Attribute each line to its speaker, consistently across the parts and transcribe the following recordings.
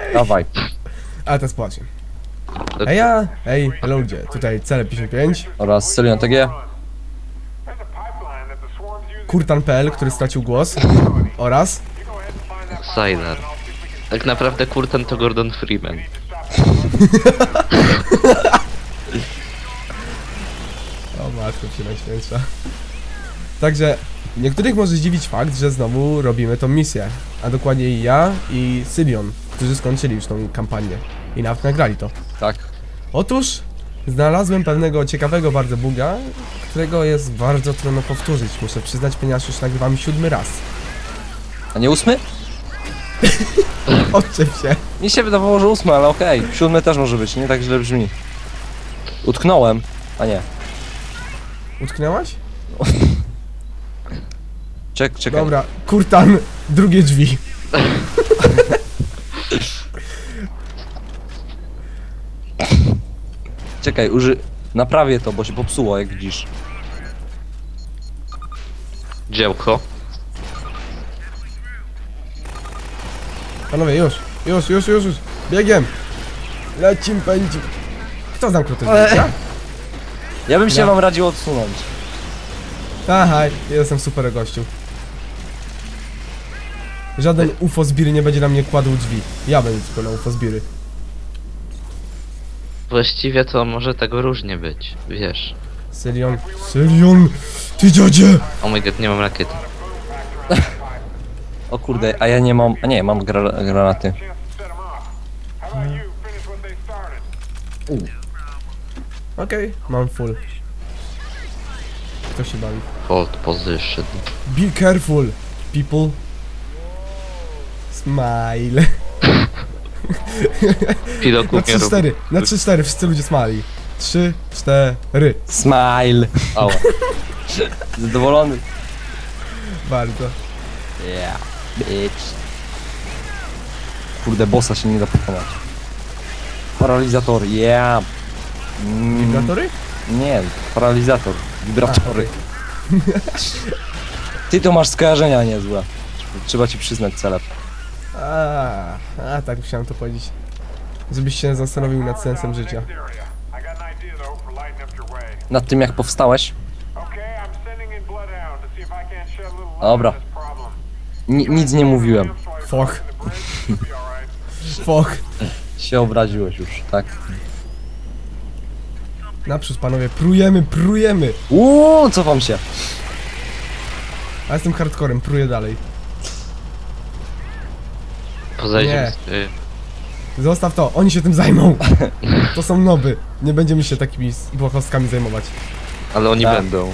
Speaker 1: Dawaj.
Speaker 2: A teraz płacie. Ej, ludzie, tutaj CL55.
Speaker 1: Oraz Sylion TG.
Speaker 2: Kurtan.pl, który stracił głos. Oraz...
Speaker 3: Sylar. Tak naprawdę Kurtan to Gordon Freeman.
Speaker 2: O matko się najświętsza. Także niektórych może zdziwić fakt, że znowu robimy tą misję. A dokładniej ja i Sylion, którzy skończyli już tą kampanię. I nawet nagrali to.
Speaker 1: Tak.
Speaker 2: Otóż znalazłem pewnego ciekawego bardzo buga, którego jest bardzo trudno powtórzyć. Muszę przyznać, ponieważ już nagrywam 7 raz.
Speaker 1: A nie 8?
Speaker 2: Odczep się.
Speaker 1: Mi się wydawało, że 8, ale okej. 7 też może być, nie tak źle brzmi. Utknąłem. A nie.
Speaker 2: Utknęłaś?
Speaker 1: Czekaj.
Speaker 2: Dobra, Kurtan, drugie drzwi.
Speaker 1: Czekaj, naprawię to, bo się popsuło, jak widzisz.
Speaker 3: Działko.
Speaker 2: Panowie, już. Biegiem. Lecim, pędzim. Kto zamknął te drzwi? Ja?
Speaker 1: Ja bym się
Speaker 2: Ja.
Speaker 1: wam radził odsunąć.
Speaker 2: Aha, jestem super gościu. Żaden UFO zbiry nie będzie na mnie kładł drzwi. Ja będę tylko na UFO zbiry.
Speaker 3: Właściwie to może tego różnie być, wiesz.
Speaker 2: Sylion, ty dziadzie!
Speaker 3: Oh my god, nie mam rakiety.
Speaker 1: O kurde, a ja nie mam... A nie, mam granaty.
Speaker 2: Okej, mam full. Kto się bawi?
Speaker 3: Hold position.
Speaker 2: Be careful, people. Smile.
Speaker 3: Piloku
Speaker 2: Na
Speaker 3: nie rób.
Speaker 2: 3-4, na 3-4, wszyscy ludzie smali. 3-4.
Speaker 1: Smile. Ała. Zadowolony.
Speaker 2: Bardzo.
Speaker 1: Yeah, bitch. Kurde, bossa się nie da pokonać. Paralizator, yeah.
Speaker 2: Wibratory?
Speaker 1: Nie, paralizator. Wibratory. Ty to masz skojarzenia niezłe. Trzeba ci przyznać celeb.
Speaker 2: A tak musiałem to powiedzieć. Żebyś się zastanowił nad sensem życia.
Speaker 1: Nad tym jak powstałeś? Dobra. Nic nie mówiłem.
Speaker 2: Foch. Foch.
Speaker 1: Się obraziłeś już, tak?
Speaker 2: Naprzód panowie, prujemy.
Speaker 1: Cofam się.
Speaker 2: A jestem hardcorem, pruję dalej.
Speaker 3: Poza
Speaker 2: Nie.
Speaker 3: ziemi.
Speaker 2: Zostaw to, oni się tym zajmą. To są noby. Nie będziemy się takimi błahostkami zajmować.
Speaker 3: Ale oni
Speaker 1: Tak.
Speaker 3: będą.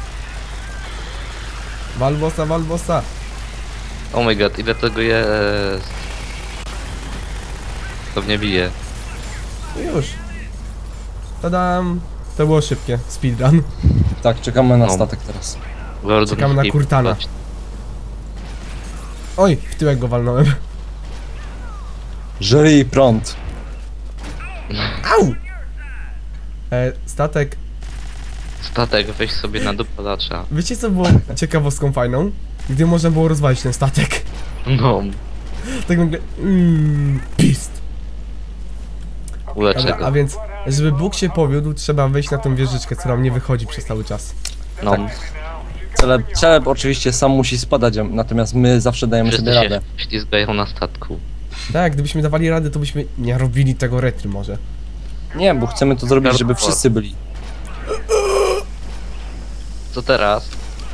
Speaker 2: Walbosa.
Speaker 3: Oh my god, ile tego jest? To mnie bije.
Speaker 2: Już. Tadam. To było szybkie. Speedrun.
Speaker 1: Tak, czekamy na
Speaker 3: No.
Speaker 1: statek teraz.
Speaker 3: Gordon
Speaker 2: Czekamy na
Speaker 3: Freeman.
Speaker 2: Kurtana. Oj, w tyłek go walnąłem.
Speaker 1: Żyj prąd.
Speaker 2: Au! Statek.
Speaker 3: Statek, weź sobie na dopalacza.
Speaker 2: Wiecie co było ciekawostką fajną? Gdy można było rozwalić ten statek.
Speaker 3: No,
Speaker 2: Tak nagle... Pist.
Speaker 3: uleczę
Speaker 2: Dobra, a
Speaker 3: go.
Speaker 2: więc, żeby Bóg się powiódł, trzeba wejść na tą wieżyczkę, która nie wychodzi przez cały czas.
Speaker 3: No,
Speaker 1: Celeb oczywiście sam musi spadać, natomiast my zawsze dajemy
Speaker 3: wszyscy
Speaker 1: sobie
Speaker 3: się
Speaker 1: radę.
Speaker 3: ślizgają na statku.
Speaker 2: Tak, gdybyśmy dawali radę, to byśmy nie robili tego retry może.
Speaker 1: Nie, bo chcemy to zrobić, żeby wszyscy byli.
Speaker 3: Co teraz?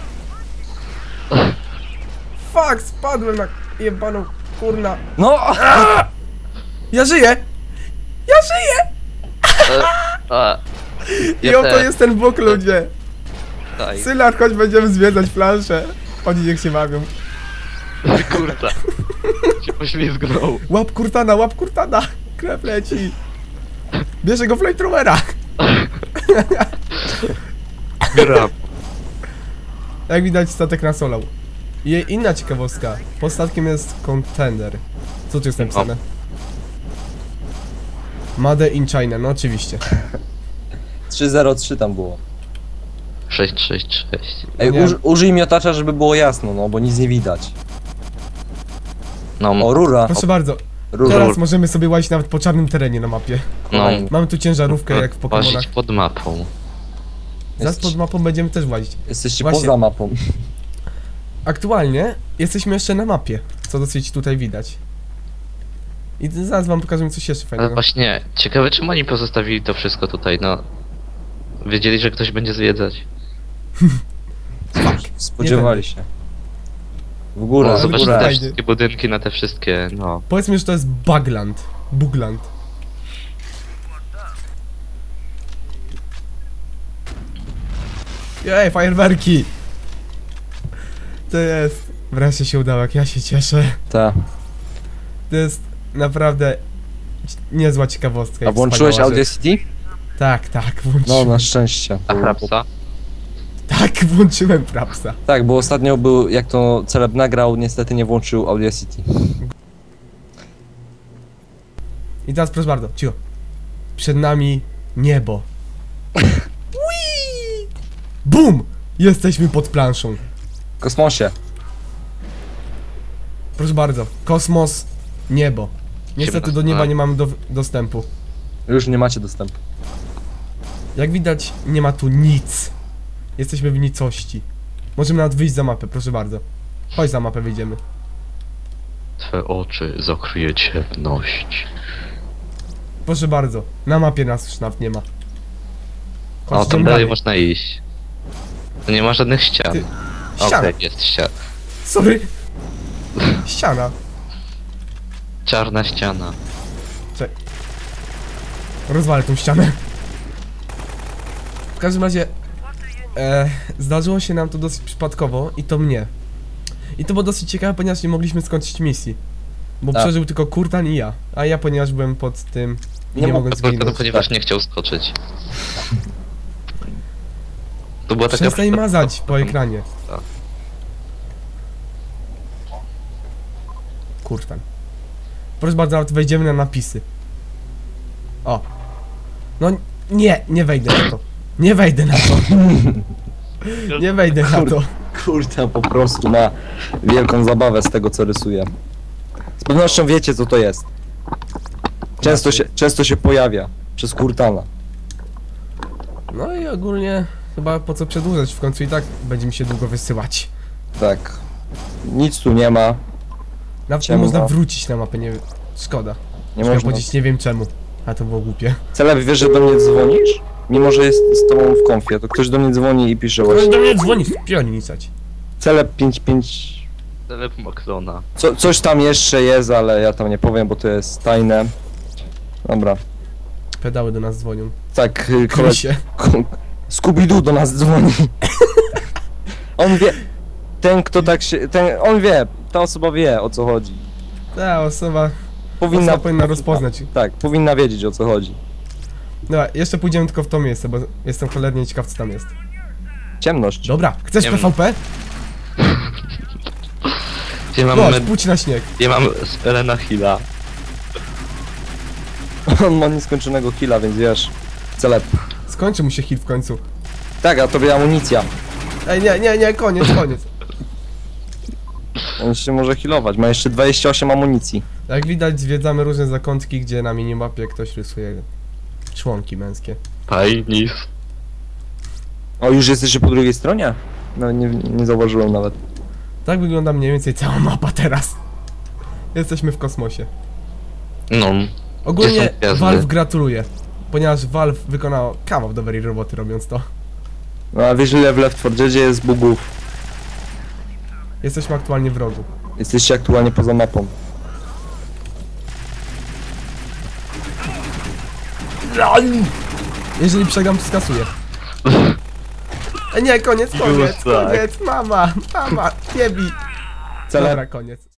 Speaker 2: Fuck, spadłem na jebaną kurna.
Speaker 1: No!
Speaker 2: Ja żyję! I
Speaker 3: Ja
Speaker 2: oto
Speaker 3: też.
Speaker 2: jest ten Bóg, ludzie.
Speaker 3: Daj,
Speaker 2: Sylar, chodź, będziemy zwiedzać planszę. Oni niech się bawią.
Speaker 3: kurta. Się poślizgnął.
Speaker 2: Łap kurtana! Krew leci. Bierze go flamethrowera.
Speaker 3: Gram.
Speaker 2: Jak widać, statek nas olał. I inna ciekawostka. Pod statkiem jest contender. Co tu jest napisane? Made in China, no oczywiście.
Speaker 1: 303 tam było.
Speaker 3: 666.
Speaker 1: Ej,
Speaker 2: Nie.
Speaker 1: użyj miotacza, żeby było jasno, no bo nic nie widać.
Speaker 3: No,
Speaker 1: O, rura.
Speaker 2: Proszę bardzo. Teraz możemy sobie łazić nawet po czarnym terenie na mapie.
Speaker 3: No,
Speaker 2: Mamy tu ciężarówkę jak w Pokemonach.
Speaker 3: łazić pod mapą.
Speaker 2: Zaraz pod mapą będziemy też łazić.
Speaker 1: Jesteście
Speaker 2: Właśnie.
Speaker 1: poza mapą.
Speaker 2: Aktualnie jesteśmy jeszcze na mapie, co dosyć tutaj widać. I zaraz wam pokażemy coś jeszcze
Speaker 3: Ale
Speaker 2: fajnego.
Speaker 3: właśnie, ciekawe czemu oni pozostawili to wszystko tutaj, no. Wiedzieli, że ktoś będzie zwiedzać.
Speaker 1: Spodziewali się. W górę,
Speaker 3: No,
Speaker 1: w
Speaker 3: zobacz
Speaker 1: górę.
Speaker 3: te
Speaker 2: Fajnie.
Speaker 3: wszystkie budynki na te wszystkie, no.
Speaker 2: Powiedzmy, że to jest Bugland. Bugland. Jej, fajerwerki! To jest... Wreszcie się udało, jak ja się cieszę.
Speaker 1: Ta.
Speaker 2: To jest naprawdę niezła ciekawostka.
Speaker 1: A
Speaker 2: i
Speaker 1: włączyłeś
Speaker 2: wspaniała
Speaker 1: Audio
Speaker 2: rzecz.
Speaker 1: City?
Speaker 2: Tak,
Speaker 1: No,
Speaker 2: włączyłem.
Speaker 1: na szczęście.
Speaker 3: A Frapsa?
Speaker 2: Tak, włączyłem Frapsa.
Speaker 1: Tak, bo ostatnio był, jak to Celeb nagrał, niestety nie włączył Audio City.
Speaker 2: I teraz proszę bardzo, cicho. Przed nami niebo. Whee! Bum! Jesteśmy pod planszą.
Speaker 1: W kosmosie.
Speaker 2: Proszę bardzo, kosmos, niebo. Niestety do nieba nie mamy dostępu.
Speaker 1: Już nie macie dostępu.
Speaker 2: Jak widać, nie ma tu nic. Jesteśmy w nicości. Możemy nawet wyjść za mapę, proszę bardzo. Chodź za mapę, wyjdziemy.
Speaker 3: Twe oczy zakryje ciemność.
Speaker 2: Proszę bardzo, na mapie nas już nawet nie ma.
Speaker 3: O, tam
Speaker 2: idziemy
Speaker 3: dalej można iść. Tu nie ma żadnych ścian.
Speaker 2: Ty-
Speaker 3: Okej,
Speaker 2: ściana.
Speaker 3: jest ściana.
Speaker 2: Sorry. Ściana.
Speaker 3: Czarna ściana.
Speaker 2: Rozwalę tą ścianę. W każdym razie zdarzyło się nam to dosyć przypadkowo i to mnie. I to było dosyć ciekawe, ponieważ nie mogliśmy skończyć misji. Bo
Speaker 1: Tak.
Speaker 2: przeżył tylko Kurtan i ja. A ja, ponieważ byłem pod tym i
Speaker 1: Nie
Speaker 2: nie
Speaker 1: mo-
Speaker 2: mogłem
Speaker 3: To
Speaker 2: zginąć.
Speaker 3: ponieważ nie chciał skoczyć. To była taka...
Speaker 2: Przestań mazać po ekranie.
Speaker 3: Tak.
Speaker 2: Kurtan. Proszę bardzo, nawet wejdziemy na napisy. O. No nie wejdę na to. Nie wejdę na to. Nie wejdę na to.
Speaker 1: Kurde, po prostu ma wielką zabawę z tego, co rysuje. Z pewnością wiecie, co to jest. Często się pojawia przez Kurtana.
Speaker 2: No i ogólnie chyba po co przedłużać, w końcu i tak będzie mi się długo wysyłać.
Speaker 1: Tak. Nic tu nie ma.
Speaker 2: Nawet nie
Speaker 1: Ciemno.
Speaker 2: można wrócić na mapę, nie... Szkoda.
Speaker 1: Nie
Speaker 2: Chciałem
Speaker 1: można.
Speaker 2: powiedzieć, nie wiem czemu. A to było głupie.
Speaker 1: Celeb, wiesz, że do mnie dzwonisz? Mimo, że jest z tobą w konfie, to ktoś do mnie dzwoni i pisze
Speaker 2: Ktoś
Speaker 1: właśnie.
Speaker 2: do mnie dzwoni, pionicać.
Speaker 1: Celeb 55...
Speaker 3: Telep Macrona.
Speaker 1: Coś tam jeszcze jest, ale ja tam nie powiem, bo to jest tajne. Dobra.
Speaker 2: Pedały do nas dzwonią.
Speaker 1: Tak,
Speaker 2: Krysie.
Speaker 1: Scooby-Doo do nas dzwoni. On wie... Ten, kto tak się... on wie. Ta osoba wie, o co chodzi.
Speaker 2: Ta osoba
Speaker 1: Powinna
Speaker 2: rozpoznać.
Speaker 1: Tak, powinna wiedzieć, o co chodzi.
Speaker 2: Dobra, jeszcze pójdziemy tylko w to miejsce, bo jestem cholernie ciekaw, co tam jest.
Speaker 1: Ciemność.
Speaker 2: Dobra, chcesz
Speaker 3: Nie wiem.
Speaker 2: PvP?
Speaker 3: Gdzie mam,
Speaker 2: Chodź, pójdź na śnieg.
Speaker 3: gdzie mam Spelena Hilla.
Speaker 1: On ma nieskończonego killa, więc wiesz. Celeb.
Speaker 2: Skończy mu się hit w końcu.
Speaker 1: Tak, a tobie amunicja.
Speaker 2: Ej, nie, koniec.
Speaker 1: On się może healować. Ma jeszcze 28 amunicji.
Speaker 2: Jak widać, zwiedzamy różne zakątki, gdzie na minimapie ktoś rysuje członki męskie.
Speaker 3: Pajnis.
Speaker 1: O, już jesteście po drugiej stronie? No, nie zauważyłem nawet.
Speaker 2: Tak wygląda mniej więcej cała mapa teraz. Jesteśmy w kosmosie.
Speaker 3: No.
Speaker 2: Ogólnie
Speaker 3: Gdzie są gwiazdy?
Speaker 2: Valve gratuluje, ponieważ Valve wykonał kawał dobrej roboty robiąc to.
Speaker 1: No, a wiesz, ile w Left 4 Deadzie jest bugów?
Speaker 2: Jesteśmy aktualnie w rogu.
Speaker 1: Jesteście aktualnie poza mapą.
Speaker 2: Jeżeli przegram, to skasuję. Nie, koniec,
Speaker 3: Już tak.
Speaker 2: mama, nie bij.
Speaker 1: Celeb.
Speaker 2: Dobra, koniec.